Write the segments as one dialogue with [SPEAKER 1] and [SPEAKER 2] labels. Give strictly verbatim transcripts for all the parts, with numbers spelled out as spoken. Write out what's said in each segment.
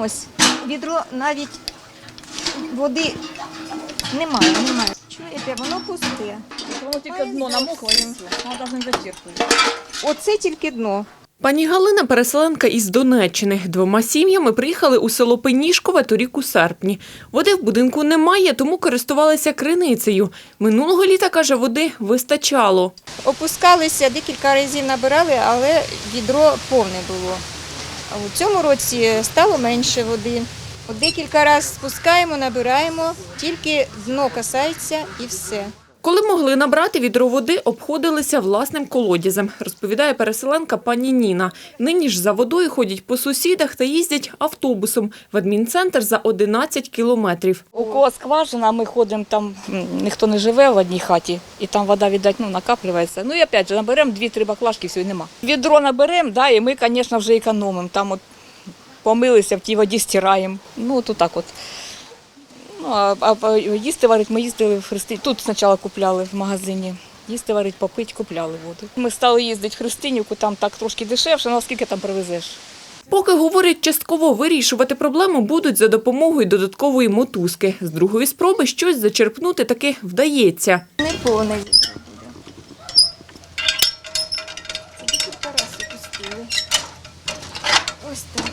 [SPEAKER 1] Ось, відро навіть води немає, немає. Чуєте, воно пусте.
[SPEAKER 2] Воно тільки дно намокло, і воно навіть не зачерпує.
[SPEAKER 1] Оце тільки дно.
[SPEAKER 3] Пані Галина – переселенка із Донеччини. Двома сім'ями приїхали у село Пенішкове торік у серпні. Води в будинку немає, тому користувалися криницею. Минулого літа, каже, води вистачало.
[SPEAKER 1] Опускалися, декілька разів набирали, але відро повне було. А у цьому році стало менше води. От декілька разів спускаємо, набираємо, тільки дно касається і все.
[SPEAKER 3] Коли могли набрати відро води, обходилися власним колодязем, розповідає переселенка пані Ніна. Нині ж за водою ходять по сусідах та їздять автобусом в адмінцентр за одинадцять кілометрів.
[SPEAKER 2] У кого скважина, ми ходимо, там ніхто не живе в одній хаті, і там вода, віддать, ну, накаплюється. Ну і опять же, наберемо дві-три баклажки, все, і нема. Відро наберемо, да, і ми, звісно, вже економимо. Там от помилися, в тій воді стираємо. Ну, от так от. Ну, а, а їсти варить ми їздили в Христині. Тут спочатку купляли в магазині. Їсти варить, попити, купляли воду. Ми стали їздити в Христинівку, там так трошки дешевше, ну а скільки там привезеш?
[SPEAKER 3] Поки, говорять, частково вирішувати проблему будуть за допомогою додаткової мотузки. З другої спроби щось зачерпнути таки вдається.
[SPEAKER 1] Не повне відро буде. Це декілька разів пустили. Ось так.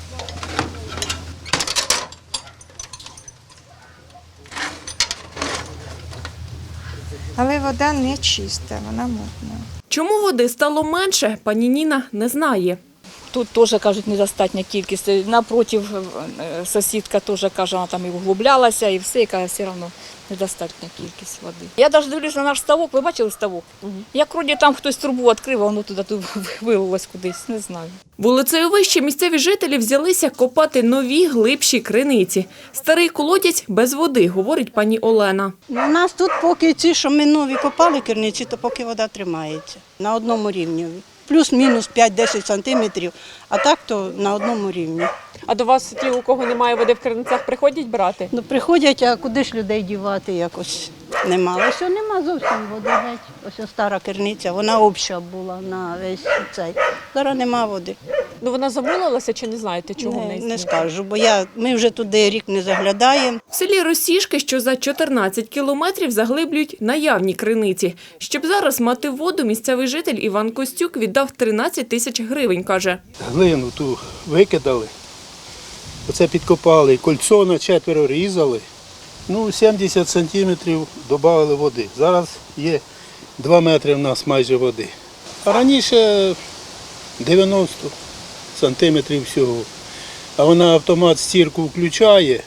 [SPEAKER 1] Але вода не чиста, вона мутна.
[SPEAKER 3] Чому води стало менше, пані Ніна не знає.
[SPEAKER 2] Тут теж, кажуть, недостатня кількість. Напротив, сусідка теж каже, вона там і углублялася, і все, яка все одно недостатня кількість води. Я навіть дивлюся на наш ставок, ви бачили ставок? Угу. Як вроді там хтось трубу відкрив, а воно туди вилилось кудись, не знаю.
[SPEAKER 3] Вулицею вище місцеві жителі взялися копати нові глибші криниці. Старий колодязь без води, говорить пані Олена.
[SPEAKER 4] У нас тут поки ці, що ми нові копали керниці, то поки вода тримається на одному рівні. Плюс-мінус п'ять-десять сантиметрів, а так то на одному рівні.
[SPEAKER 5] А до вас ті, у кого немає води в криницях, приходять брати?
[SPEAKER 4] Ну, приходять, а куди ж людей дівати якось нема. Ось нема зовсім води геть. Ось стара керниця, вона обща була на весь цей. Зараз нема води.
[SPEAKER 5] Ну вона замулилася чи не знаєте, чого в неї?
[SPEAKER 4] Не, не скажу, бо я, ми вже туди рік не заглядаємо.
[SPEAKER 3] В селі Росішки, що за чотирнадцять кілометрів, заглиблюють наявні криниці. Щоб зараз мати воду, місцевий житель Іван Костюк віддав тринадцять тисяч гривень, каже.
[SPEAKER 6] Глину ту викидали, оце підкопали, кольцо на четверо різали, ну сімдесят сантиметрів додали води. Зараз є два метри в нас майже води. А раніше дев'яносто сантиметрів всього. А вона автомат стірку включає,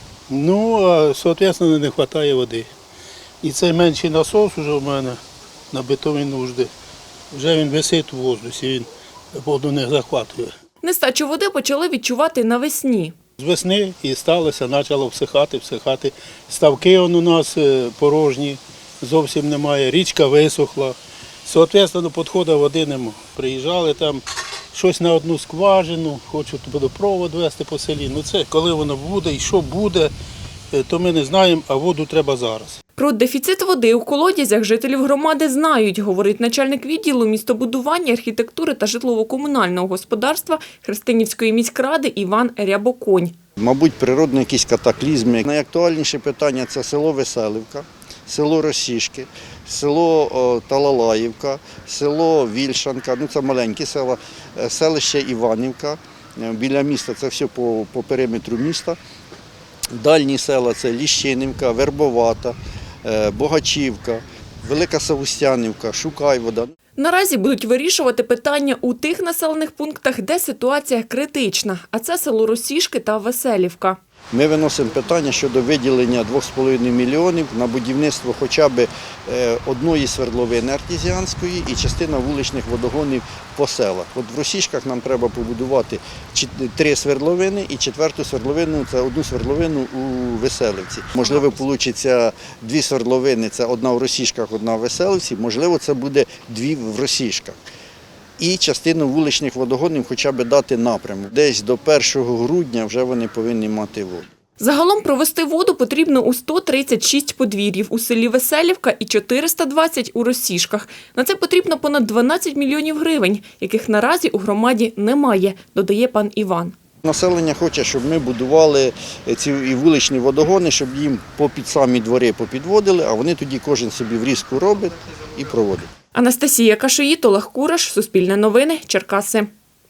[SPEAKER 6] ну, а, відповідно, не вистачає води. І цей менший насос вже в мене на битові нужди. Вже він висить у воздусі, він воду не захватує.
[SPEAKER 3] Нестачу води почали відчувати навесні.
[SPEAKER 6] З весни і сталося, почало всихати, всихати. Ставки он у нас порожні, зовсім немає, річка висохла. Відповідно, підходу води немає. Приїжджали там, щось на одну скважину, хочуть водопровод вести по селі. Ну це коли воно буде і що буде, то ми не знаємо, а воду треба зараз.
[SPEAKER 3] Про дефіцит води у колодязях жителів громади знають, говорить начальник відділу містобудування, архітектури та житлово-комунального господарства Христинівської міськради Іван Рябоконь.
[SPEAKER 7] Мабуть, природні якісь катаклізми. Найактуальніше питання – це село Веселівка, село Росішки, село Талалаївка, село Вільшанка, ну це маленькі села, селище Іванівка, біля міста, це все по, по периметру міста. Дальні села – це Ліщинівка, Вербовата, Богачівка, Велика Савустянівка, Шукайвода.
[SPEAKER 3] Наразі будуть вирішувати питання у тих населених пунктах, де ситуація критична, а це село Росішки та Веселівка.
[SPEAKER 7] Ми виносимо питання щодо виділення двох з половиною мільйонів на будівництво хоча б одної свердловини артезіанської і частина вуличних водогонів по селах. От в Росішках нам треба побудувати три свердловини і четверту свердловину – це одну свердловину у Веселівці. Можливо, вийде дві свердловини – це одна в Росішках, одна в Веселівці, можливо, це буде дві в Росішках. І частину вуличних водогонів хоча б дати напрямок. Десь до першого грудня вже вони повинні мати воду.
[SPEAKER 3] Загалом провести воду потрібно у сто тридцять шість подвір'їв у селі Веселівка і чотириста двадцять у Росішках. На це потрібно понад дванадцять мільйонів гривень, яких наразі у громаді немає, додає пан Іван.
[SPEAKER 7] Населення хоче, щоб ми будували ці і вуличні водогони, щоб їм попід самі двори попідводили, а вони тоді кожен собі врізку робить і проводить.
[SPEAKER 3] Анастасія Кашиїт, Олег Кураш, Суспільне новини, Черкаси.